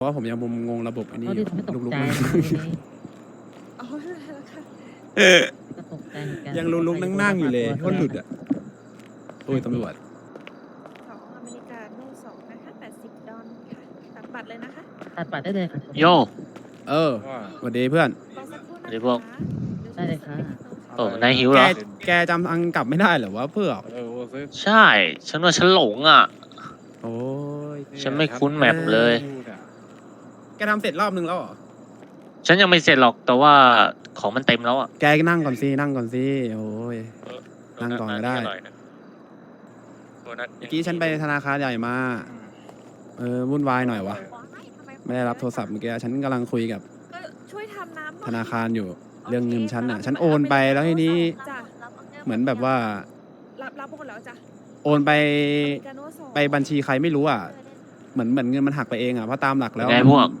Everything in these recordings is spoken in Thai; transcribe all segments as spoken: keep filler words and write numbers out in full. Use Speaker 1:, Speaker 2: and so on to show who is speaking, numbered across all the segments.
Speaker 1: เพราะว่าผมยังงงระบบอันนี้
Speaker 2: เขาที่ทำให้ตก
Speaker 1: ลุก
Speaker 2: ใจ
Speaker 1: ๆ
Speaker 2: นะ
Speaker 3: อ๋อแล้วค่ะ
Speaker 2: ก็ตกใจเหมือนกัน
Speaker 1: ยังลุกๆนั่งๆอยู่เลยก็หลุดอ่ะโอ้ยตำรวจ
Speaker 3: สองอเมริกาโน่สองนะคะแปดสิบดอลค่ะตัดบัตรเลยนะคะ
Speaker 2: ตัดบัตรได้เลยค่ะ
Speaker 4: โย
Speaker 1: เออสวัสดีเพื่อน
Speaker 3: รอสักครู่นะ
Speaker 4: สวัสดีพวก
Speaker 3: คะ
Speaker 2: ได้เลยค่ะ
Speaker 4: โอ้นายหิวเห
Speaker 1: แก
Speaker 4: รอ
Speaker 1: แกจำอังกลับไม่ได้เหรอวะเพื่อน
Speaker 4: ใช่ ฉันว่าฉันหลงอ่ะ
Speaker 1: โอ้ย
Speaker 4: ฉันไม่คุ้นแมปเลย
Speaker 1: แกทำเสร็จรอบนึงแล้วเหรอ
Speaker 4: ฉันยังไม่เสร็จหรอกแต่ว่าของมันเต็มแล้วอ่ะ
Speaker 1: แกนั่งก่อนสินั่งก่อนสิโอ้ย นั่งก่อนก็ได้ เมื่อกี้ฉันไปธนาคารใหญ่มา เออวุ่นวายหน่อยวะไม่ได้รับโทรศัพท์เมื่อกี้ฉันกำลังคุยกับ
Speaker 3: ก็ช่วยทำน้ำหน่อย
Speaker 1: ธนาคารอยู่เรื่องเงินฉันอ่ะ ฉันโอนไปแล้วทีนี้
Speaker 3: จ้ะ
Speaker 1: เหมือนแบบว่า
Speaker 3: รับรับหมดแล้วจ้ะ
Speaker 1: โอนไป
Speaker 3: อเมริกาโน่สอง
Speaker 1: ไปบัญชีใครไม่รู้อ่ะ เหมือนเหมือนเงินมันหักไปเองอ่ะเพราะตามหลักแล้ว
Speaker 4: ไงพวก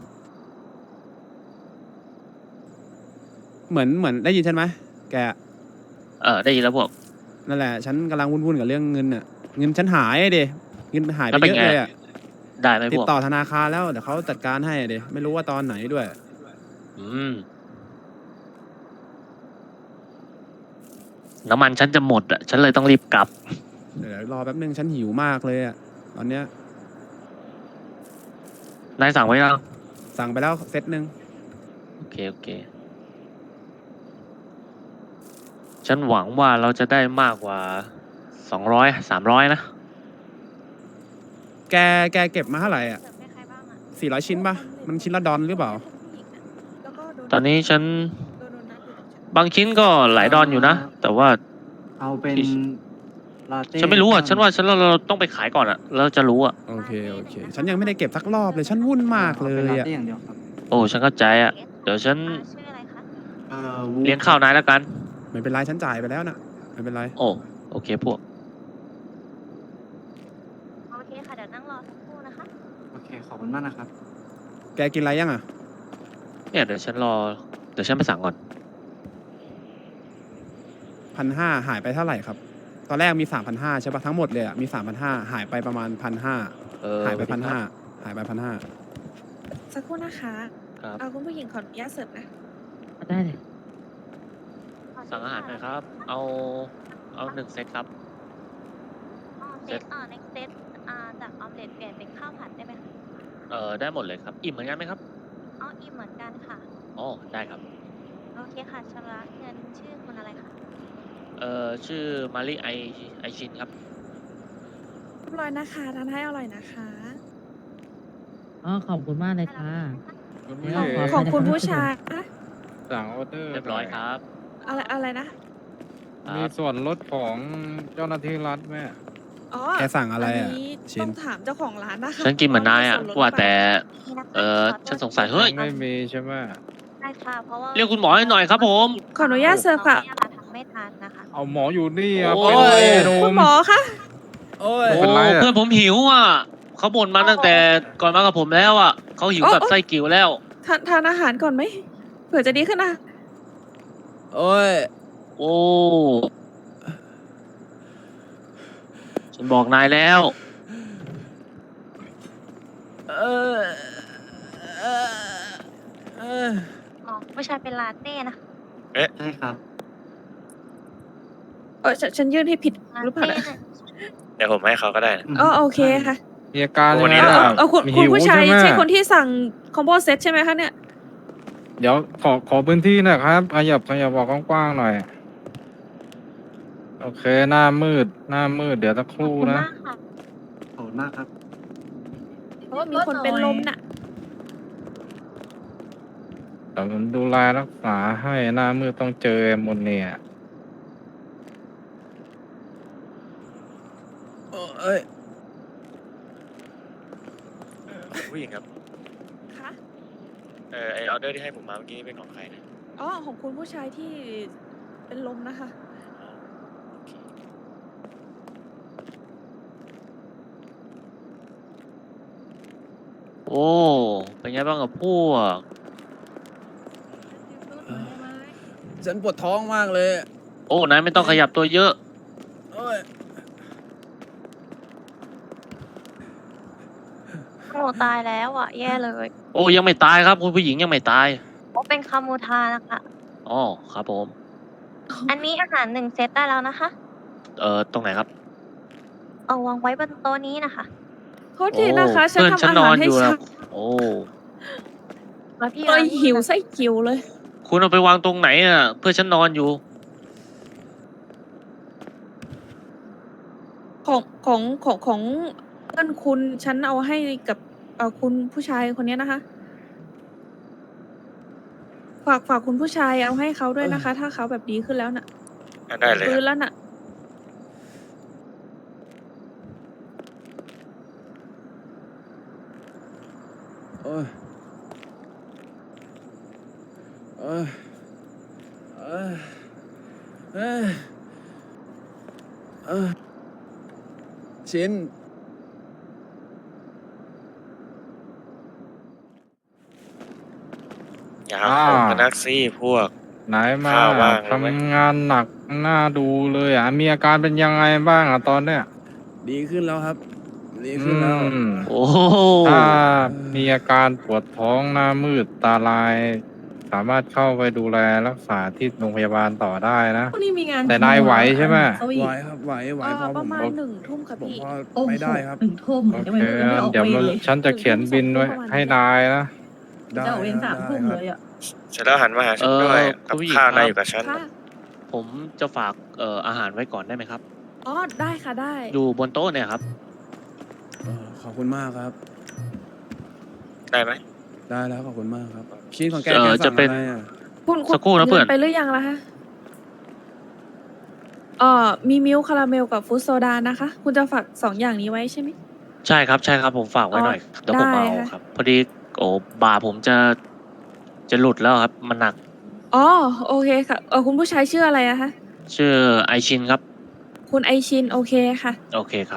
Speaker 1: เหมือนเหมือนได้ยินฉันไหมแก
Speaker 4: เออได้ยินแล้วพวก
Speaker 1: นั่นแหละฉันกำลังวุ่นๆกับเรื่องเงินอ่ะเงินฉันหายเดเงินหายไป
Speaker 4: แล้วเป็น
Speaker 1: เยอะ
Speaker 4: ไง
Speaker 1: เลยอ่ะ
Speaker 4: ได้ไหม
Speaker 1: ติ
Speaker 4: พ
Speaker 1: ด
Speaker 4: วก
Speaker 1: ต่อธนาคารแล้วเดี๋ยวเขาจัดการให้เดไม่รู้ว่าตอนไหนด้วย
Speaker 4: อืมน้ำมันฉันจะหมดอ่ะ ฉันเลยต้องรีบกลับ
Speaker 1: เดี๋ยวรอแป๊บนึงฉันหิวมากเลยอ่ะตอนเนี้ย
Speaker 4: นายสั่งไว้ยัง
Speaker 1: สั่งไปแล้วเซตหนึ่ง
Speaker 4: โอเคโอเค ฉันหวังว่าเราจะได้มากกว่าสองร้อยสามร้อยนะ
Speaker 1: แกแกเก็บมาเท่าไหร่อ่ะสี่ร้อยชิ้นป่ะมันชิ้นละดอลหรือเปล่า
Speaker 3: แล้วก็โด
Speaker 4: ตอนนี้ฉัน
Speaker 3: โดนโดนัทอยู่ตรงฉัน
Speaker 4: บางชิ้นก็หลายดอนอยู่นะ แต่ว่า
Speaker 5: เอาเป็นลาเต้
Speaker 4: ฉันไม่รู้อ่ะ ฉันว่าฉันเราเราต้องไปขายก่อนอ่ะ แล้วจะรู้อ่ะ
Speaker 1: โอเคโอเค ฉันยังไม่ได้เก็บสักรอบเลยฉันวุ่นมากเล
Speaker 5: ป็น
Speaker 1: ย
Speaker 5: ลา
Speaker 1: อ่ะ
Speaker 5: เต้อย่างเดียวครับ
Speaker 4: โอ้ฉันเข้าใจอ่ะ เดี๋ยวฉัน
Speaker 6: ชื่ออะไรคะ
Speaker 5: เอ่อ
Speaker 4: เลี้ยงข้าวนายแล้วกัน
Speaker 1: ไม่เป็นไรฉันจ่ายไปแล้วนะไม่เป็นไร
Speaker 4: โอ้โอเคพวก
Speaker 6: โอเคค่ะ เดี๋ยวนั่งรอสักครู่นะคะ
Speaker 5: โอเคขอบคุณมากนะครับ
Speaker 1: แกกินอะไรยังอ่ะ
Speaker 4: เนี่ยเดี๋ยวฉันรอ เดี๋ยวฉันไปสั่งก่อน
Speaker 1: พันห้าหายไปเท่าไหร่ครับ ตอนแรกมีสามพันห้าใช่ปะทั้งหมดเลยอ่ะมีสามพันห้าหายไปประมาณพันห้า
Speaker 4: เออ
Speaker 1: หายไปพันห้าหายไปพันห้า
Speaker 3: สักครู่นะคะ
Speaker 4: ครับ
Speaker 3: เอาคุณผู้หญิงขออนุญาตเสิร์ฟนะ
Speaker 2: ได้เลย
Speaker 4: สั่งอาหารหน่อยครับ เอา เอาหนึ่งเซตครับ
Speaker 6: อ๋อเซตอ่า next set อ่าจากออมเล็ตเปลี่ยนเป็นข้าวผัดได้ไหมคะ
Speaker 4: เออได้หมดเลยครับ อิ่มเหมือนกันไหมครับ
Speaker 6: อ๋ออิ่มเหมือนกันค่ะ
Speaker 4: อ๋อได้ครับ
Speaker 6: โอเคค่ะชำระเงินชื่อคุณอะไรคะ
Speaker 4: เอ่อชื่อมาริไอไอชินครับ
Speaker 3: เรียบร้อยนะคะทานให้อร่อยนะคะ
Speaker 2: อ๋อขอบคุณมากเลยค่ะ
Speaker 3: ของ
Speaker 2: ขอ
Speaker 3: ของคุณ
Speaker 2: ขอบคุณ
Speaker 3: ผู้ชายอะ
Speaker 7: สั่งออเดอร์
Speaker 4: เรียบร้อยครับ
Speaker 3: อะไรอะไรนะ
Speaker 4: ค
Speaker 7: มี
Speaker 4: รับ
Speaker 7: ส่วนลดของเจ้าหน้าที่รัฐไหม
Speaker 3: อ๋อ
Speaker 1: แกสั่งอะไรอ่ะ
Speaker 3: นนี้
Speaker 1: ชิ้น
Speaker 3: ต้องถามเจ้าของร้านนะคะ
Speaker 4: ฉันกินเหมือนนายอ่ะ
Speaker 3: ส่นลด
Speaker 4: ว่าแต่
Speaker 6: นี่นะคะ
Speaker 4: เออ
Speaker 6: ขโทษ
Speaker 4: ฉันสงสัยเฮ้ย
Speaker 7: ไม่มีใช่ไหม
Speaker 6: ได้ค่ะ เพราะว่า
Speaker 4: เรียกคุณหมอให้หน่อยครับผม
Speaker 3: ขออนุญาตเสิร์ฟค่ะ
Speaker 6: เราทำไม่ทันนะคะ
Speaker 7: เอาหมออยู่นี่อ่ะ
Speaker 4: โอ้
Speaker 7: เป็น
Speaker 4: ย
Speaker 7: ไรหนุ่
Speaker 3: คุณ
Speaker 7: ม
Speaker 3: หมอคะ
Speaker 1: โอ้ย
Speaker 4: โอ้
Speaker 7: เป็นไรอะ
Speaker 4: เพื่อนผมหิวอ่ะเขาบ่นมาตั้งแต่ก่อนมากับผมแล้วอ่ะเขาหิวแบบไส้กิ่วแล้ว
Speaker 3: ทานทานอาหารก่อนไหมเผื่อจะดีขึ้นนะ
Speaker 1: โอ้ย
Speaker 4: โอ้ฉันบอกนายแล้ว
Speaker 1: เออเออเออ
Speaker 6: อ๋อผู้ชายเป็นลาเต้นะ
Speaker 5: ใช่ครับ
Speaker 3: เออฉันฉันยื่นให้ผิด
Speaker 6: ลา
Speaker 3: หรือเปล่า
Speaker 6: เต้
Speaker 3: นะ
Speaker 6: เนี่ย
Speaker 4: เดี๋ยวผมให้เขาก็ได้
Speaker 3: อ๋อโอเคค่ะ
Speaker 7: มีอาการ
Speaker 4: วั
Speaker 7: ยัง
Speaker 4: นนี้
Speaker 7: ไง
Speaker 3: เอา
Speaker 7: ล่ะ
Speaker 3: เอาเอาคุณ
Speaker 7: มี
Speaker 3: คุณ
Speaker 7: หิว
Speaker 3: ผู้ชาย
Speaker 7: ใช่ไหม
Speaker 3: ใช่คนที่สั่งคอมโบเซตใช่ไหมคะเนี่ย
Speaker 7: เดี๋ยวขอขอพื้นที่หนะครับขยับขยับออกกว้างๆหน่อย โอเคหน้ามืดหน้ามืดเดี๋ยวสักค
Speaker 6: ขอบ
Speaker 7: รู่
Speaker 6: คุณ
Speaker 7: นะ
Speaker 6: มากค่ะ
Speaker 5: ขอบคุณมากครับ
Speaker 3: เพราะว่ามีคนเป็นลมน่ะ
Speaker 7: เดี๋ยวผมดูแลรักษาให้หน้ามืดต้องเจอแอมโมเนีย
Speaker 1: เอ้ย
Speaker 4: ผู้หญิงครับ
Speaker 3: คะ
Speaker 4: เออไอออเดอร์ที่ให้ผมมาเมื่อกี้เป็นของใครนะ
Speaker 3: อ๋อของคุณผู้ชายที่เป็นลมนะคะ
Speaker 4: โอ้เป็นไงบ้างกับพวก
Speaker 1: ฉันปวดท้องมากเลย
Speaker 4: โอ้นายไม่ต้องขยับตัวเยอะ
Speaker 1: โอ้ย
Speaker 3: ขอ
Speaker 6: นูตายแล้วอ่ะ แย่เลย
Speaker 4: โอ้ยังไม่ตายครับคุณผู้หญิงยังไม่ตาย
Speaker 6: โอ้เป็นคามูทานะคะ
Speaker 4: อ๋อครับผม
Speaker 6: อันนี้อาหารหนึ่งเซตได้แล้วนะคะ
Speaker 4: เอ่อตรงไหนครับ
Speaker 6: เอาวางไว้บนโต๊ะนี้นะคะ
Speaker 3: โทษทีนะคะ ฉัน
Speaker 4: เพื่อน
Speaker 3: ทำ
Speaker 4: ฉัน
Speaker 3: อาน
Speaker 4: อ
Speaker 3: หาร
Speaker 4: น
Speaker 3: ให้
Speaker 4: อยู่
Speaker 3: ฉั
Speaker 4: นะ
Speaker 3: น
Speaker 4: โอ้
Speaker 6: มาพี่
Speaker 3: เลย
Speaker 6: ร้านนี้
Speaker 3: หิวไส้กิวเลย
Speaker 4: คุณเอาไปวางตรงไหนอ่ะ เพื่อนฉันนอนอยู่
Speaker 3: ของของของของเพื่อนคุณฉันเอาให้กับเอ่อคุณผู้ชายคนนี้นะคะ ฝากฝากคุณผู้ชายเอาให้เขาด้วยนะคะ ถ้าเขาแบบดีขึ้นแล้วน่ะ
Speaker 8: ได้เลย
Speaker 3: ฟื้
Speaker 8: คน รับ
Speaker 3: แล้วน่ะ
Speaker 1: โอ้ยโอ้ยเอ้ยเอ้ยเอ้ยชิน
Speaker 8: อย่าหาของกันนักซี่พวก
Speaker 7: ไหนมา
Speaker 8: ข้าวว่างเลยไหม
Speaker 7: ทำงานหนักหน้าดูเลยอ่ะ มีอาการเป็นยังไงบ้างอ่ะตอนเนี้ย
Speaker 1: ดีขึ้นแล้วครับ ดี
Speaker 7: อื
Speaker 1: ขึ้นแล้ว
Speaker 7: ม
Speaker 4: โอ้โห
Speaker 7: ถ้ามีอาการปวดท้องหน้ามืดตาลาย สามารถเข้าไปดูแลรักษาที่โรงพยาบาลต่อได้นะ
Speaker 9: พรุ่งนี้มีงาน
Speaker 7: แต่นายไหวใช่ไหม
Speaker 9: เขาอี
Speaker 1: ไหว
Speaker 9: ก
Speaker 1: ครับไหวไหว
Speaker 3: เอ่อ
Speaker 1: พอ
Speaker 3: ป
Speaker 1: ผ
Speaker 3: ระ
Speaker 1: ม
Speaker 3: มาณ
Speaker 1: ผม
Speaker 3: หนึ่งทุ่มค่ะพี่
Speaker 1: พอ
Speaker 9: โอ้โห
Speaker 1: ไม่ได้ครับ
Speaker 9: หนึ่งทุ่ม
Speaker 7: โอ
Speaker 9: ยัง
Speaker 7: เค
Speaker 9: ไม่ยังไม่ออก
Speaker 7: เดี๋ยว
Speaker 9: เวรเลย
Speaker 7: ฉันจะเขียนบินไว้ให้นายนะ
Speaker 1: ได้
Speaker 9: จะออกเวรสาม
Speaker 1: ได้
Speaker 9: ทุ่ม
Speaker 1: ครับ
Speaker 9: เลยอ่ะ
Speaker 8: เสร็จแล้วหันมาหาฉัน
Speaker 4: เอ่อ
Speaker 8: ด้วย
Speaker 4: คุ
Speaker 8: กับ
Speaker 4: ณผู้หญิง
Speaker 8: ข้าว
Speaker 4: ครั
Speaker 8: นาย
Speaker 4: บ
Speaker 8: อยู่กับฉัน
Speaker 3: ค่ะ
Speaker 4: ผมจะฝากเอ่ออาหารไว้ก่อนได้ไหมครับ
Speaker 3: อ๋อ ได้ค่ะได้
Speaker 4: อยู่บนโต๊ะเนี่ยครับ
Speaker 1: เออขอบคุณมากครับ
Speaker 8: ได้ไหม
Speaker 1: ได้แล้วขอบคุณมากครับชิ้นของแก
Speaker 4: เอ่
Speaker 1: แก
Speaker 4: อ
Speaker 1: สั่
Speaker 4: จะ
Speaker 1: ง
Speaker 4: เป็น
Speaker 1: อะไรอ่ะ
Speaker 3: คุณคุณ
Speaker 4: สักครู่นะเพื่อน
Speaker 3: งิไปหรือยังล่ะคะเอ่อมีมิลค์คาราเมลกับฟรุตโซดานะคะ คุณจะฝากสองอย่างนี้ไว้ใช่ไหม
Speaker 4: ใช่ครับใช่ครับผมฝากไว้หน่อยเดี๋ยวผม
Speaker 3: ได้
Speaker 4: เอา
Speaker 3: ค่ะ
Speaker 4: ครับ พอดีโอ้บ่าผมจะจะหลุดแล้วครับ มันหนัก
Speaker 3: อ๋อ โอเคค่ะ เออคุณผู้ชายชื่ออะไรอะคะ
Speaker 4: ชื่อไอชินครับ
Speaker 3: คุณไอชิน โอเคค่ะ
Speaker 4: โอเคครับ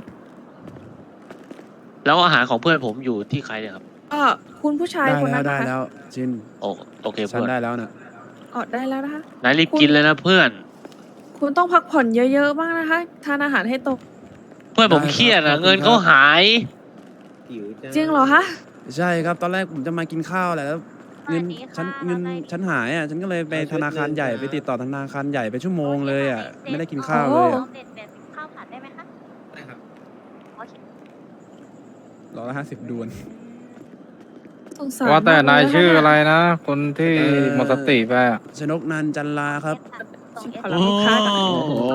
Speaker 4: แล้วอาหารของเพื่อนผมอยู่ที่ใครเนี่ยครับ
Speaker 3: เออคุณผู้ชาย
Speaker 1: ได้
Speaker 3: คน
Speaker 1: แล้
Speaker 3: นั้
Speaker 1: วน ได้
Speaker 3: นะคะ
Speaker 1: แล้วชิน
Speaker 4: โอโอเค
Speaker 1: ฉัน
Speaker 4: เพื่อน
Speaker 1: ได้แล้วนะ
Speaker 3: อ๋อได้แล้วนะคะ
Speaker 4: นายรีบ
Speaker 3: คุณ
Speaker 4: กินเลยนะเพื่อน
Speaker 3: คุณต้องพักผ่อนเยอะๆบ้างนะคะ ทานอาหารให้ตก
Speaker 4: เพื่อนผม
Speaker 1: ได้ครับ
Speaker 4: เครียด
Speaker 1: ขอ
Speaker 4: อะ
Speaker 1: บคุณ
Speaker 4: เงิน
Speaker 1: ครับ
Speaker 4: เขาหาย
Speaker 3: จริงเหรอคะ
Speaker 1: ใช่ครับตอนแรกผมจะมากินข้าวแหละแล้วเงิน
Speaker 6: สวัสดีค่ะ
Speaker 1: ฉันเงิน
Speaker 6: ว่าไง
Speaker 1: ฉันหายอ่ะฉันก็เลยไปธนาคารใหญ่ไปติดต่อธนาคารใหญ่ไปชั่วโมงเลยอ่ะ
Speaker 6: โคค่ะ
Speaker 1: ไม่ได้กิน
Speaker 6: เซต
Speaker 1: ข้าวเลย
Speaker 3: โอ้
Speaker 1: อะ
Speaker 6: ออมเล็ตเปลี่ยนเป็นข้าวผัดได้ไหมคะ
Speaker 5: ได้ครับ
Speaker 6: โอเค
Speaker 1: ร้อยละห้าสิบดวน
Speaker 3: สงสาร
Speaker 7: ว่าแต่
Speaker 3: มกเล
Speaker 7: นาย
Speaker 3: นะคะ
Speaker 7: ชื่อ
Speaker 3: เย
Speaker 7: อะไรนะ คนที่
Speaker 1: เอ่อ
Speaker 7: หมดสติไปอะ
Speaker 1: ชนกนันจันลาครับ
Speaker 3: ชิบหายแล้วลูกค้ากัน
Speaker 1: โอ้โห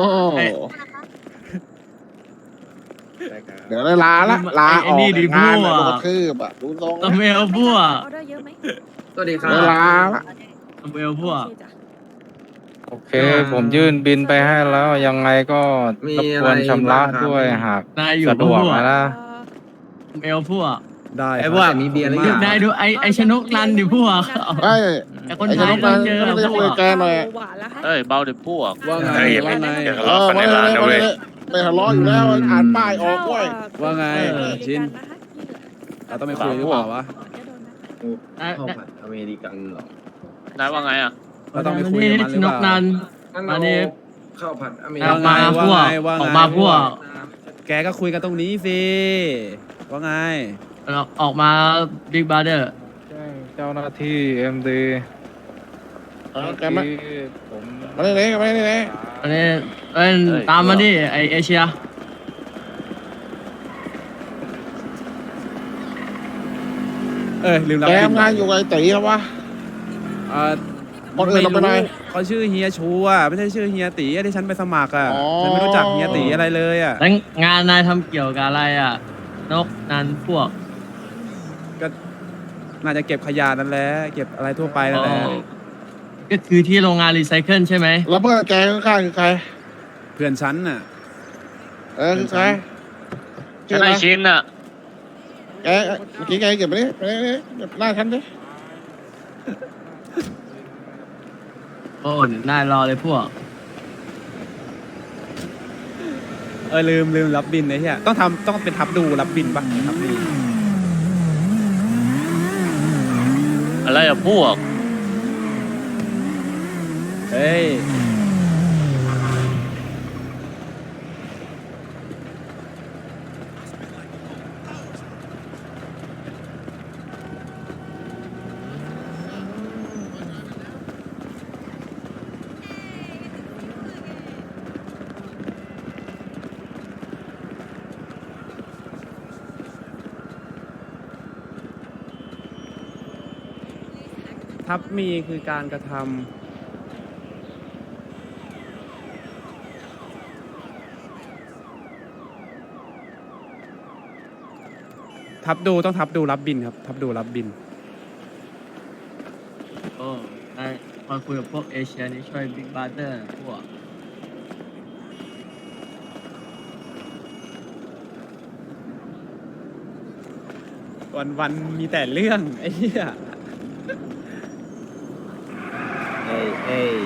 Speaker 10: เดี๋ยวได้ลาละลาออกจากงานแล้วก็มาคืบอ่ะดูทรง
Speaker 9: ตะเมลพวก
Speaker 3: ออเดอร์เยอะไหม
Speaker 5: สวัสดีครั
Speaker 10: เว
Speaker 5: บ
Speaker 10: ลาละ
Speaker 9: ตะเมลพวก
Speaker 3: โอเคจ้ะ
Speaker 7: โอเค ผมยื่นบินไปให้แล้ว ยังไงก็
Speaker 5: มี
Speaker 7: รบกวน
Speaker 5: อะไร
Speaker 7: ชำระ
Speaker 5: บ้างครับ
Speaker 7: ด้วยหาก
Speaker 9: นายอยู่
Speaker 7: สะดวก
Speaker 9: พวก
Speaker 7: นะ
Speaker 3: เอ่อ
Speaker 9: ตะเมลพวก
Speaker 1: ได้
Speaker 5: ไอ้
Speaker 1: ครับ
Speaker 5: พวกมีเบียร์หรือยัง
Speaker 9: นายดูไอไอชนกนันดิพวก
Speaker 10: ไอ้
Speaker 9: ไอคน
Speaker 10: ไอ้
Speaker 9: ไท
Speaker 10: ช
Speaker 9: ย
Speaker 10: นกนั
Speaker 9: ต้อง
Speaker 10: น
Speaker 9: เจอ
Speaker 10: ไม่ได้
Speaker 9: พว
Speaker 10: คุย
Speaker 9: ก
Speaker 10: แกหน่อย
Speaker 3: หวานแล้วฮะ
Speaker 4: เอ้ยเบาเดี๋ยวพวก
Speaker 1: ว่าไง
Speaker 8: เฮ้ย
Speaker 1: ว่าไง
Speaker 8: เดี๋ยว
Speaker 10: เอ
Speaker 8: ทะเลาะ
Speaker 10: อ
Speaker 8: กันใน
Speaker 10: ไม่
Speaker 8: ร้านนะ
Speaker 10: ไม่
Speaker 8: เว้ย
Speaker 10: ไม่ทะเลาะอยู่แล้วอ่านป้ายออกเว้ย
Speaker 1: ว่าไง
Speaker 3: เออ
Speaker 1: ชิน
Speaker 3: กันนะคะที่เหลือ
Speaker 1: เราต้องไปคุยหรือเปล่าวะ
Speaker 3: อ๋อเดี๋ยวโดนนะ
Speaker 9: นาย
Speaker 5: ข้าวผัดอเมริกันเหรอน
Speaker 4: ายว่าไงอ่ะ
Speaker 1: เราต้องไปคุยกับมันห
Speaker 9: ช
Speaker 1: รือนเป
Speaker 9: ก
Speaker 1: ล่า
Speaker 9: นัน
Speaker 5: งั้น
Speaker 9: มา
Speaker 5: เรา
Speaker 9: ดิ
Speaker 5: ข้าวผัดอเมริ
Speaker 9: อ
Speaker 5: กั
Speaker 9: อน กมาพวก
Speaker 1: ว่าไงว่าไง
Speaker 9: ออกมาพวก
Speaker 1: แกก็คุยกันตรงนี้สิว่าไง
Speaker 9: ออกมาบิ๊กบาร์เดอร์
Speaker 7: แจ้งเจ้าหน้าที่เอ็มดี
Speaker 10: เออแกมา
Speaker 7: ผม
Speaker 10: มาเลยมาเลย
Speaker 9: อันนี้เอ้ยตามมาดิไอเอเชีย
Speaker 1: เออลืมรับ
Speaker 10: แก
Speaker 1: บิน
Speaker 10: ทำงานอยู่กับไอ้ตีครับวะ
Speaker 1: เออ
Speaker 10: คนอื่นเราไปไหน
Speaker 1: เขาชื่อเฮียชูอ่ะไม่ใช่ชื่อเฮียตีที่ฉันไปสมัครอ่ะ
Speaker 10: อ๋อ
Speaker 1: ฉันไม่รู้จักเฮียตีอะไรเลยอ่ะ
Speaker 9: แล้วงานนายทำเกี่ยวกับอะไรอ่ะ นกนันพวก
Speaker 1: ก็น่าจะเก็บขยะนั่นแหละเก็บอะไรทั่วไปนั่นแหละ
Speaker 9: อ๋อ ก็คือที่โรงงานรีไซเคิลใช่ไหม
Speaker 10: แล้วเพื่อนแกข้างๆคือใคร
Speaker 1: เพื่อนฉันน่ะ
Speaker 10: เออคือใครชื่
Speaker 4: ฉั
Speaker 10: อน อะไร
Speaker 4: ไอชินอ่ะ
Speaker 10: แกเมื่อกี้แกเก็บไปนี่ไปนี่เก็บหน้าฉันดิ
Speaker 9: โอ้นายรอเลยพวก
Speaker 1: เออลืมลืมรับบินไอ้เหี้ยต้องทำต้องเป็นทับดูรับบินปะทับดู
Speaker 4: อะไรอ่ะพวก
Speaker 1: เฮ้ยทับมีคือการกระทำทับดูต้องทับดูรับบินครับ ทับดูรับบิน
Speaker 9: โอ้ได้พอคุยกับพวกเอเชียนี่ช่วยบิ๊กบาร์เตอร์พวก
Speaker 1: วันวันๆมีแต่เรื่องไอ้เหี้ย
Speaker 5: เอ้ยเอ้ย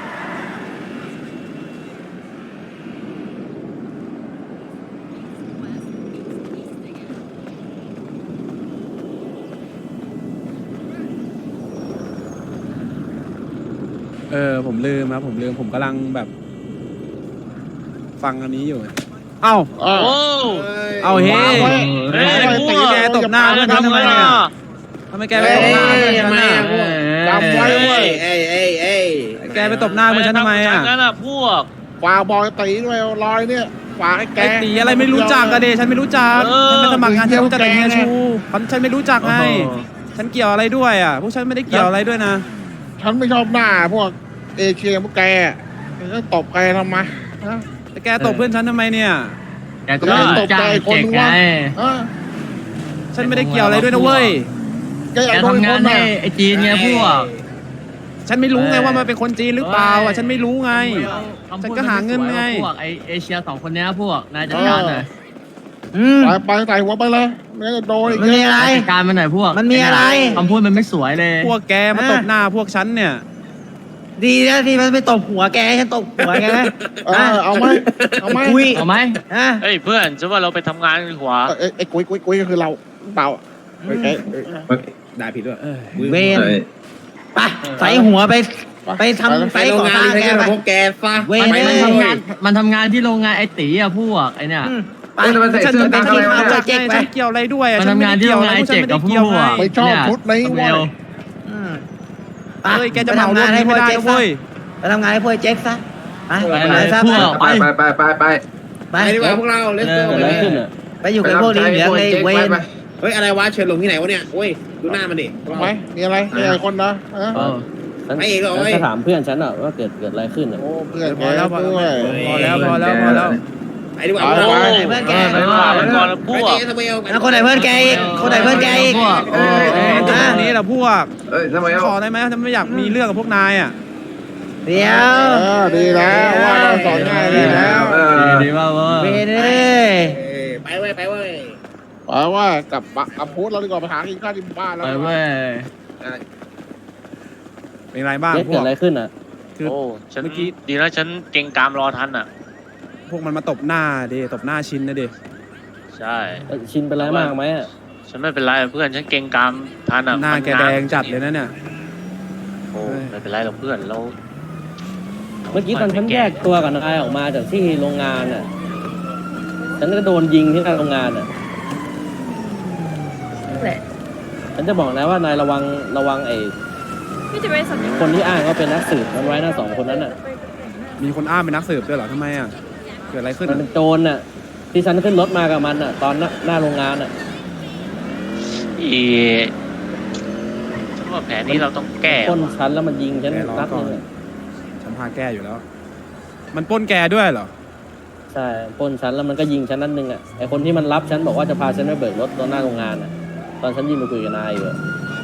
Speaker 1: เออผมลืมครับผมลืมผมกำลังแบบ ฟังอันนี้อยู่ เอ้า
Speaker 10: อ้าว
Speaker 4: โอ้
Speaker 1: เอาเฮ้
Speaker 10: ว้าวเว้ย
Speaker 4: เฮ้ย
Speaker 10: เฮ้ย
Speaker 4: พวก
Speaker 1: แกตบหน้าเพื่อนฉันทำไมอ่ะทำไมแกไปตบหน้าเพื่อนฉันอ่ะ
Speaker 10: จำไว้เว้ย
Speaker 5: เอ้ยเอ้ยเอ้ย
Speaker 1: แกไปตบหน้าเพื่อนฉันทำไมอ่ะ
Speaker 4: นั่นน่ะพวก
Speaker 10: ฝากบอยตีด้วยรอยเนี่ยฝากให้แก
Speaker 1: ไอ้ตีอะไรไม่รู้จักอะเดฉันไม่รู้จัก
Speaker 4: เออ
Speaker 1: ฉันไปสมัครงานฉันรู้จักแต่เฮีย
Speaker 10: แกไง
Speaker 1: ชูฉันฉันไม่รู้จักไง
Speaker 9: โอ้โห
Speaker 1: ฉันเกี่ยวอะไรด้วยอ่ะพวกฉันไม่ได้เกี่ยวอะไรด้วยนะ
Speaker 10: ฉันไม่ชอบหน้าพวกเอเชียพวกแกแกก็ตบแกทำไมฮะ
Speaker 1: แต่แกตบเพื่อนฉันทำไมเนี่ย
Speaker 9: แกก็จ้างเจ๊กไง
Speaker 10: เออ
Speaker 1: ฉันไม่ได้เกี่ยวอะไรด้วยนะเว้ย
Speaker 10: แกอยา
Speaker 9: แก
Speaker 10: กโดน
Speaker 9: ทำงา
Speaker 10: คน น
Speaker 9: ให้
Speaker 10: น่ะ
Speaker 9: ไอจีนไงพวก
Speaker 1: ฉันไม่รู้ไง
Speaker 9: เออ
Speaker 1: ว่ามันเป็นคนจีนหรือเปล่าอ่ะฉันไม่รู้ไง
Speaker 9: คำพูด
Speaker 1: ฉันก็หาเงินไง
Speaker 9: พวกไอเอเชียสองคนเนี้ยพวกนายจัดการหน่อย
Speaker 10: ไปไปใส่หัวไปเลยไม่งั้นจะโดนอีก
Speaker 9: มัน
Speaker 10: เย
Speaker 9: มี
Speaker 10: อะ
Speaker 9: อะไรจัดการมันหน่อยพวก
Speaker 2: มันมีอะไร
Speaker 9: คำพูดมันไม่สวยเลย
Speaker 1: พวกแกมาตบหน้าพวกฉันเนี่ย
Speaker 2: ดีนะที่มันไปตบหัวแกให้ฉันตบหัวแกนะ
Speaker 10: เออเอาไหมเอาไหม
Speaker 2: คุย
Speaker 9: เอาไหม
Speaker 2: ฮะ
Speaker 4: เฮ้ยเพื่อนฉันว่าเราไปทำงานกันดีกว่า
Speaker 10: เอ้ยไอ้กุ้ยกุ้ยกุ้ยก็คือเราเปล่าไอ้แก
Speaker 5: ได้ผิดด้วย
Speaker 2: เวนไปใส่หัวไปไปทำ
Speaker 5: ไป
Speaker 2: ไป
Speaker 5: โรง
Speaker 2: ก่อง
Speaker 5: าน
Speaker 2: สร้าง
Speaker 5: ใช้
Speaker 2: แก
Speaker 5: งาน
Speaker 2: ไป
Speaker 5: พวกแกซะ
Speaker 2: เว้ย
Speaker 9: มันมันทำงานมันทำงานที่โรงงานไอตีอะพวกไอเนี่ย
Speaker 2: ไป
Speaker 5: เอ้ยแล้วมันใส่
Speaker 1: ฉัน
Speaker 5: เสื้อ
Speaker 1: จะ
Speaker 5: กั๊ก
Speaker 1: ไม่
Speaker 5: อะไรวะ
Speaker 1: รู้
Speaker 5: เนี่ย
Speaker 1: จักไงฉันเกี่ยวอะไรด้วยอ่ะ
Speaker 9: มัน
Speaker 1: ฉัน
Speaker 9: ทำ
Speaker 1: ไม่
Speaker 9: งาน
Speaker 1: ได้
Speaker 9: ที่
Speaker 1: เกี่ยว
Speaker 9: โรง
Speaker 1: อะไร
Speaker 9: งาน
Speaker 1: พวกฉัน
Speaker 9: เจ๊ก
Speaker 1: ไม่
Speaker 9: กั
Speaker 1: ได้
Speaker 9: บพว
Speaker 1: เกี่ยว
Speaker 9: ก
Speaker 1: ไง
Speaker 10: ไม่ชอบ
Speaker 9: เนี่ย
Speaker 10: ชุดนี้
Speaker 9: เบ
Speaker 10: เว้ย
Speaker 9: ล
Speaker 2: อืม
Speaker 1: เอ้ยแกจะเหมารถนี้ไม่ได้นะเว้ย
Speaker 2: ไปทำงานให้พวกไอ้เจ๊กซะไป
Speaker 9: ไป
Speaker 2: ไป
Speaker 9: เลย
Speaker 2: ซะ
Speaker 9: พวก
Speaker 5: ไปไปไปไปไป
Speaker 2: ไป
Speaker 5: ไปดีกว่าพวกเราเลสโก้
Speaker 9: เออ
Speaker 5: ไปเลย
Speaker 2: ไปอยู่กับพวกนี้เหลืองเลยเวน
Speaker 5: เฮ้ยอะไรวะเชิญลงที่ไหนวะเนี่ยโอ้ยดูหน้ามันดิ
Speaker 10: ทำไมมีอะไรมีอะไรคนนะฮะ
Speaker 9: เออ
Speaker 5: ไอ้เอกเหรอเอ้ย
Speaker 11: จะถามเพื่อนฉันอะว่าเกิดเกิดอะไรขึ้นอะ
Speaker 10: โอ้เพื่อน
Speaker 1: พ
Speaker 10: แก
Speaker 1: อแล้วพอ
Speaker 10: ด้วย
Speaker 1: แล้วพอแล้วพอแล้ว
Speaker 5: ไปดีกว่า
Speaker 10: ไป
Speaker 5: พวกเรา
Speaker 10: ไป
Speaker 2: เพื่อนแก
Speaker 4: ไปว่าไปก่อนแล้วพวก
Speaker 5: ไปเจ๊ทำไมเอา
Speaker 2: แล้วคนไหนเพื่อนแกอีกคนไหนเพื่อนแกอีก
Speaker 9: พวก
Speaker 2: เออ
Speaker 1: เอ้ยตรงนี้แหละพวก
Speaker 5: เอ้ยทำไมเอา
Speaker 1: ขอได้ไหมฉันไม่อยากมีเรื่องกับพวกนายอ่ะ
Speaker 2: เดี๋ยว
Speaker 10: เออดีแล้วว่าเราสอนง่ายดีแล้ว
Speaker 5: เออ
Speaker 9: ดีดีมากเว้ย
Speaker 2: เวนเอ้ย
Speaker 5: เอ้ยไปเว้ยไปเว้ย
Speaker 10: แปลว่ากลับปะกลับพูดเราดีกว่าไปหากินข้าวที่บ้านแล้ว
Speaker 9: ไปเว้ย
Speaker 1: เป็นไรบ้าง
Speaker 11: เจ๊
Speaker 1: พ
Speaker 11: เกิ
Speaker 1: ว
Speaker 11: ด
Speaker 1: ก
Speaker 11: อะไรขึ้นอะ
Speaker 1: คือ
Speaker 4: โอ้ฉัน
Speaker 1: เมื่อกี้
Speaker 4: ดีนะฉันเก่งกามรอทันอ่ะ
Speaker 1: พวกมันมาตบหน้าดิตบหน้าชินนะดิ
Speaker 4: ใช่
Speaker 11: เอ้ยชินเป็นไรมากไหมอะ
Speaker 4: ฉันไม่เป็นไรเพื่อนฉันเก่งกามทันอ่ะ
Speaker 1: หน้า
Speaker 4: มั
Speaker 1: แกแดงจัดเลยนะเนี่ย
Speaker 4: โอ้ไม่เป็นไรหรอกเพื่อนเรา
Speaker 11: เมื่อกี้ตอนฉันแยกตัวกับนายออกมาจากที่โรงงานอะฉันก็โดนยิงที่หน้าโรงงานอะ
Speaker 3: แหละ
Speaker 11: ฉันจะบอกนะว่านายระวังระวังไอ้
Speaker 3: พี่จะไปสัญญา
Speaker 11: คนที่อ้างว่าเป็นนักสืบมันไว้นะสองคนนั้นอะ
Speaker 1: มีคนอ้างเป็นนักสืบด้วยเหรอทำไมอ่ะเกิดอะไรขึ้น
Speaker 11: มัน
Speaker 1: อะ
Speaker 11: เป็นโจรอะที่ฉันขึ้นรถมากับมันอะตอนหน้าหน้าโรงงานอะ
Speaker 4: อีฉันว่าแผนนี้เราต้องแก้
Speaker 11: ปล้น
Speaker 4: ว่ะ
Speaker 11: ฉันแล้วมันยิงฉันนัดหนึงอะ
Speaker 1: ฉันพาแก้อยู่แล้ว มันปล้นแกด้วยเหรอ
Speaker 11: ใช่ปล้นฉันแล้วมันก็ยิงฉันนัดหนึงอะไอคนที่มันรับฉันบอกว่าจะพาฉันไปเบิกรถตอนหน้าโรงงานอะตอนฉันยิงไปคุยกับนายอยู่อะ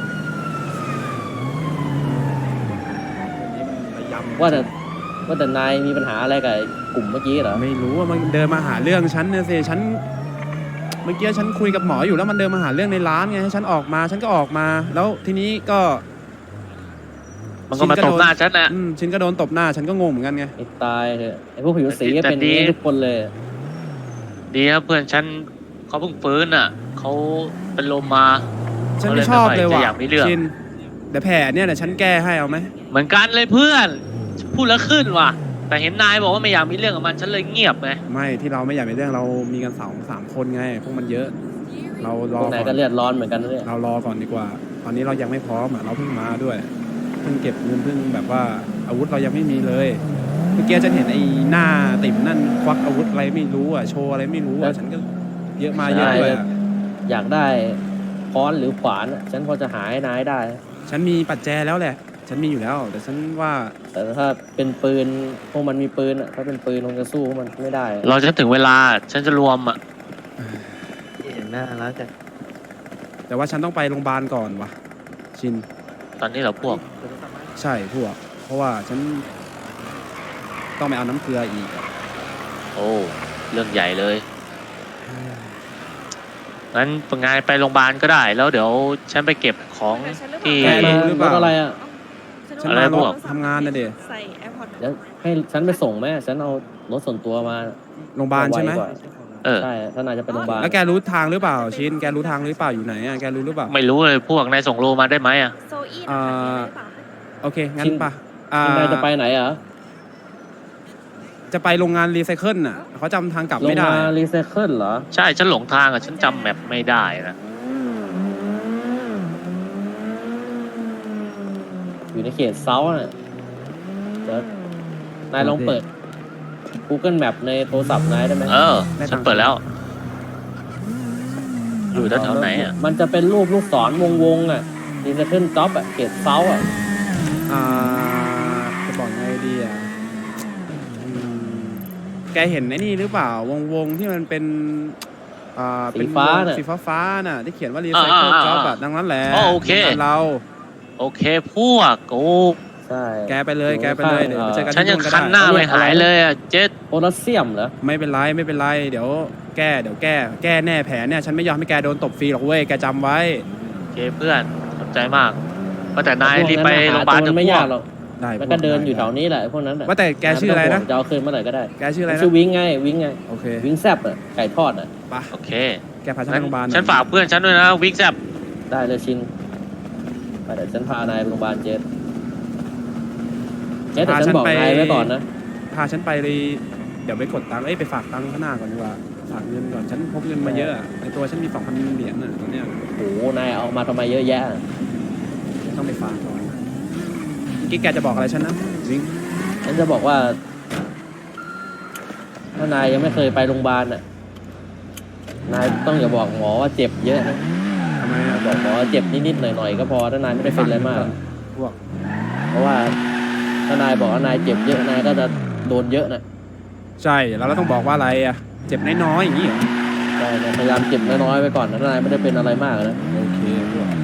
Speaker 1: ระยำ
Speaker 11: ว่าแต่ว่าแต่นายมีปัญหาอะไรกับไอ้กลุ่มเมื่อกี้เหรอ
Speaker 1: ไม่รู้ว่ามันเดินมาหาเรื่องฉันเนี่ยสิฉัน เมื่อกี้ฉันคุยกับหมออยู่แล้วมันเดินมาหาเรื่องในร้านไงให้ฉันออกมา ฉันก็ออกมา แล้วทีนี้ก็
Speaker 4: มันก็มาตบหน้าฉันน่ะ
Speaker 1: อืมฉันก็โดนตบหน้า ฉันก็งงเหมือนกันไง
Speaker 11: ไอ้ตายเถอะไอ้พวกผิวสีก็
Speaker 4: แต่
Speaker 11: เป็นอย่าง
Speaker 4: ดี
Speaker 11: นี้ทุกคนเลย
Speaker 4: ดีครับเพื่อนฉันเขาเพิ่งฟื้นอ่ะเขาเป็นลมมา
Speaker 1: ฉันไม่ชอบเลยว่ะ
Speaker 4: จะอยากมีเรื่อง
Speaker 1: ชินเดี๋ยวแผลเนี่ยเดี๋ยวฉันแก้ให้เอาไหม
Speaker 4: เหมือนกันเลยเพื่อนพูดแล้วขึ้นว่ะ แต่เห็นนายบอกว่าไม่อยากมีเรื่องกับมันฉันเลยเงียบไง
Speaker 1: ไม่ที่เราไม่อยากมีเรื่องเรามีกันสองสามคนไง พวกมันเยอะ เราร
Speaker 11: พ
Speaker 1: อ
Speaker 11: วกนาย
Speaker 1: ก่
Speaker 11: ก็
Speaker 1: อน
Speaker 11: เลือดร้อนเหมือนกันนะเนี่ย
Speaker 1: เรารอก่อนดีกว่า ตอนนี้เรายังไม่พร้อมอ่ะ เราเพิ่งมาด้วย เพิ่งเก็บเงินเพิ่งแบบว่าอาวุธเรายังไม่มีเลย เมื่อกี้ฉันเห็นไอ้หน้าติ่มนั่นควักอาวุธอะไรไม่รู้อ่ะ โชว์อะไรไม่รู้อ่ะ ฉันก็เยอะมาเยอะด้วยอะ
Speaker 11: อยากได้ค้อนหรือขวานอะฉันพอจะหาให้นายได้
Speaker 1: ขฉันมีปัจแจแล้วแหละ ฉันมีอยู่แล้ว แต่ฉันว่า
Speaker 11: แต่ถ้าเป็นปืนพวกมันมีปืนอ่ะถ้าเป็นปืนคงจะสู้พวกมันไม่ได้อะ
Speaker 4: เราจะถึงเวลาฉันจะรวมอ่ะ
Speaker 2: เห็นหน้าแล้วจะ
Speaker 1: แต่ว่าฉันต้องไปโรงพยาบาลก่อนวะชิน
Speaker 4: ตอนนี้เหราพวก
Speaker 1: ใช่พวก เพราะว่าฉันต้องไปเอาน้ำเกลืออีกอะ
Speaker 4: โอ้เรื่องใหญ่เลยงั้นงานไปโรงพยาบาลก็ได้ แล้วเดี๋ยวฉันไปเก็บของที่
Speaker 1: แก
Speaker 11: ม
Speaker 1: รู้หรือเปล่า
Speaker 11: รถอะไรอ่ะ
Speaker 1: ฉัน
Speaker 4: อะไร
Speaker 1: มาร
Speaker 4: พ
Speaker 1: ถ
Speaker 4: วก
Speaker 1: ทำงานนะเด็
Speaker 3: ใส่แอร์พอร์ต
Speaker 11: เดี๋ยวให้ฉันไปส่งไหมฉันเอารถส่วนตัวมา
Speaker 1: โรงพยาบาลใช่ไหม
Speaker 11: วกว่า
Speaker 4: เออ
Speaker 11: ใช่ถ้านายจะไปโรงพยาบาล
Speaker 1: แล้วแกรู้ทางหรือเปล่าชิน แกรู้ทางหรือเปล่าอยู่ไหนอะแกรู้หรือเปล่า
Speaker 4: ไม่รู้เลยพวกนายส่งโลมาได้ไหมอ่ะ
Speaker 3: โซอี้
Speaker 1: อ่า
Speaker 3: นะคะ
Speaker 1: โอเค งั้นปะอ่า
Speaker 11: นายจะไปไหนอ่ะ
Speaker 1: จะไปโรงงานรีไซเคิลน่ะเขาจำทางกลับ
Speaker 11: โรง
Speaker 1: ไม่ได้
Speaker 11: งานรีไซเคิลเหรอ
Speaker 4: ใช่ฉันหลงทางอ่ะฉันจำแมปไม่ได้นะ
Speaker 11: อยู่ในเขตเซาท์น่ะเดี๋ยวนายลองเปิด Google Map ในโทรศัพท์นายได้ไหม
Speaker 4: เออฉันเปิดแล้ว อยู่แถวๆไหนอ่ะ
Speaker 11: มันจะเป็นรูปลูกศรวงวงๆอ่ะรีไซเคิลจ็อบอ่ะเขตเซาท์อ่ะ
Speaker 1: อ่าจะบอกไงดีอ่ะอืมแกเห็นไอ้นี่หรือเปล่าวงวงๆที่มันเป็นอ่าเป็นวงสีฟ้าฟ้าๆน่ะที่เขียนว่ารีไซเคิล
Speaker 4: อ่าๆๆ
Speaker 1: จ็อบแบบดังนั้นแหละ
Speaker 4: อ๋อโอเค
Speaker 1: โรงงานเรา
Speaker 4: โอเคพวกโอ้
Speaker 11: ใช่
Speaker 1: แกไปเลยแกไปเลยเดี๋ยวไปเจอกัน
Speaker 4: ฉัน
Speaker 1: ที่
Speaker 4: ยัง
Speaker 1: นู่นก็
Speaker 4: คันห
Speaker 1: ได้
Speaker 4: น้าไม่หายเลยอ่ะเจ็ด
Speaker 11: โพแทสเซียมเหรอ
Speaker 1: ไม่เป็นไรไม่เป็นไรเดี๋ยวแก้เดี๋ยวแก้แก้แน่แผลเนี่ยฉันไม่ยอมให้แกโดนตบฟรีหรอกเว้ยแกจำไว้
Speaker 4: โอเคเพื่อนขอบใจมากว่าแต่นายรีบไปโรงพยาบาล
Speaker 11: ห
Speaker 4: เถ
Speaker 11: ตัว
Speaker 4: อะ
Speaker 11: มันไม่
Speaker 4: พวย
Speaker 11: าก กหรอก
Speaker 1: ได้
Speaker 11: มันก็เดินอยู่แถวนี้แหละพวกนั้นน่ะ
Speaker 1: ว่าแต่แกชื่ออะไรนะ
Speaker 11: ม่ต้งห่วงจะเอาคืนเมื่อไหร่ก็ได้
Speaker 1: แกชื่ออะไร
Speaker 11: มัน
Speaker 1: นะ
Speaker 11: ชื่อวิงไงวิงไง
Speaker 1: โอเค
Speaker 11: วิงแซบอ่ะไก่ทอดอ่ะ
Speaker 1: ไป
Speaker 4: โอเค
Speaker 1: แกพาฉันไป
Speaker 4: งั้น
Speaker 1: โรงพยาบาลหน่อย
Speaker 4: ฉันฝากเพื่อนฉันด้วยนะวิกแซบ
Speaker 11: ได้เลยชินไปเดี๋ยวฉันพานายไปโรงพยาบาลเจสเจสแต่ฉันบอกนายไว้ก่อนนะ
Speaker 1: พาฉันไปเลยเดี๋ยวไปกดตังค์เอ้ยไปฝากตังค์ข้างหน้าก่อนดีกว่าฝากเงินก่อนฉันพกเงินมาเยอะอะในตัวฉันมีสองพันเหรียญน่ะตอนเนี้ย
Speaker 11: โอ้โหนายเอามาทำไมเยอะแยะ
Speaker 1: ต้องไปฝากก่อนเมื่อกี้แกจะบอกอะไรฉันนะวิง
Speaker 11: ฉันจะบอกว่า ถ้านายยังไม่เคยไปโรงพยาบาลอ่ะนายต้องอย่าบอกหมอว่าเจ็บเยอะนะ
Speaker 1: ทำไมอ่ะ
Speaker 11: บอกหมอว่าเจ็บนิดๆหน่อยๆก็พอถ้านายไม่ได้เป็นอะไรมาก
Speaker 1: พวก
Speaker 11: เพราะว่าถ้านายบอกว่านายเจ็บเยอะนายก็จะโดนเยอะนะ
Speaker 1: ใช่แล้วเราต้องบอกว่าอะไรอ่ะเจ็บน้อยๆอย่างนี้เหรอ
Speaker 11: ใช่นายพยายามเจ็บน้อยๆไปก่อนนะถ้านายไม่ได้เป็นอะไรมากนะ
Speaker 1: โอเคพวก